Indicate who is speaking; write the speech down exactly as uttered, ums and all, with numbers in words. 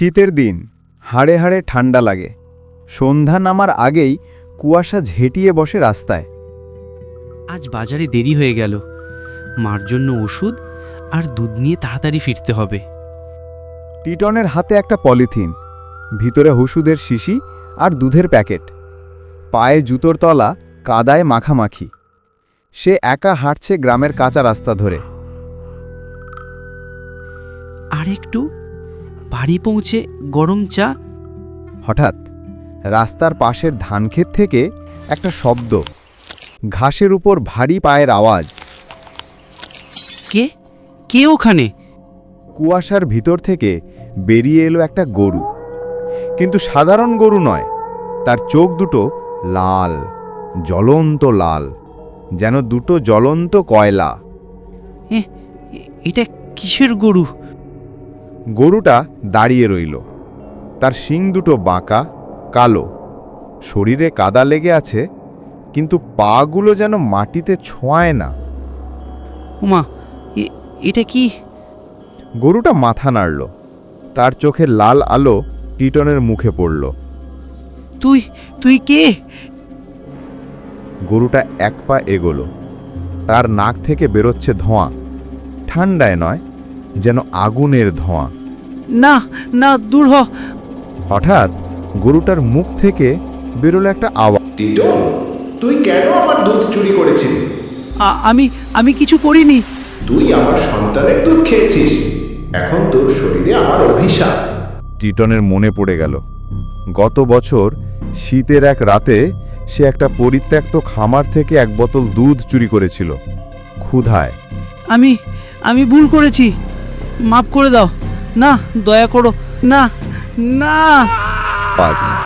Speaker 1: শীতের দিন হাড়ে হাড়ে ঠান্ডা লাগে। সন্ধ্যা নামার আগেই কুয়াশা ঝেঁটিয়ে বসে রাস্তায়।
Speaker 2: আজ বাজারে দেরি হয়ে গেল। মার জন্য ওষুধ আর দুধ নিয়ে তাড়াতাড়ি ফিরতে হবে।
Speaker 1: টিটনের হাতে একটা পলিথিন, ভিতরে ওষুধের শিশি আর দুধের প্যাকেট। পায়ে জুতোর তলা কাদায় মাখামাখি। সে একা হাঁটছে গ্রামের কাঁচা রাস্তা ধরে।
Speaker 2: আর একটু বাড়ি পৌঁছে গরম চা।
Speaker 1: হঠাৎ রাস্তার পাশের ধানক্ষেত থেকে একটা শব্দ, ঘাসের উপর ভারী পায়ের আওয়াজ।
Speaker 2: কে কে ওখানে?
Speaker 1: কুয়াশার ভিতর থেকে বেরিয়ে এলো একটা গরু, কিন্তু সাধারণ গরু নয়। তার চোখ দুটো লাল, জ্বলন্ত লাল, যেন দুটো জ্বলন্ত কয়লা।
Speaker 2: এ এটা কিসের গরু?
Speaker 1: গরুটা দাঁড়িয়ে রইল। তার শিং দুটো বাঁকা, কালো, শরীরে কাদা লেগে আছে, কিন্তু পাগুলো যেন মাটিতে ছোঁয়ায় না।
Speaker 2: উমা, এটা কি?
Speaker 1: গরুটা মাথা নাড়ল। তার চোখের লাল আলো টিটনের মুখে পড়ল।
Speaker 2: তুই তুই কে?
Speaker 1: গরুটা এক পা এগোলো। তার নাক থেকে বেরোচ্ছে ধোঁয়া, ঠান্ডায় নয়, যেন আগুনের ধোঁয়া।
Speaker 2: না না, দূর হ।
Speaker 1: হঠাৎ গরুটার মুখ থেকে বেরোলো একটা আওয়াজ।
Speaker 3: টিটন, তুই কেন আমার দুধ চুরি করেছিলি?
Speaker 2: আ- আমি আমি কিছু করিনি।
Speaker 3: তুই আমার সন্তানের দুধ খেয়েছিস। এখন তোর শরীরে আমার অভিশাপ।
Speaker 1: টিটনের মনে পড়ে গেল গত বছর শীতের এক রাতে সে একটা পরিত্যক্ত খামার থেকে এক বোতল দুধ চুরি করেছিল ক্ষুধায়।
Speaker 2: আমি আমি ভুল করেছি, মাফ করে দাও। না, দয়া করো। না না।
Speaker 1: পাঁচ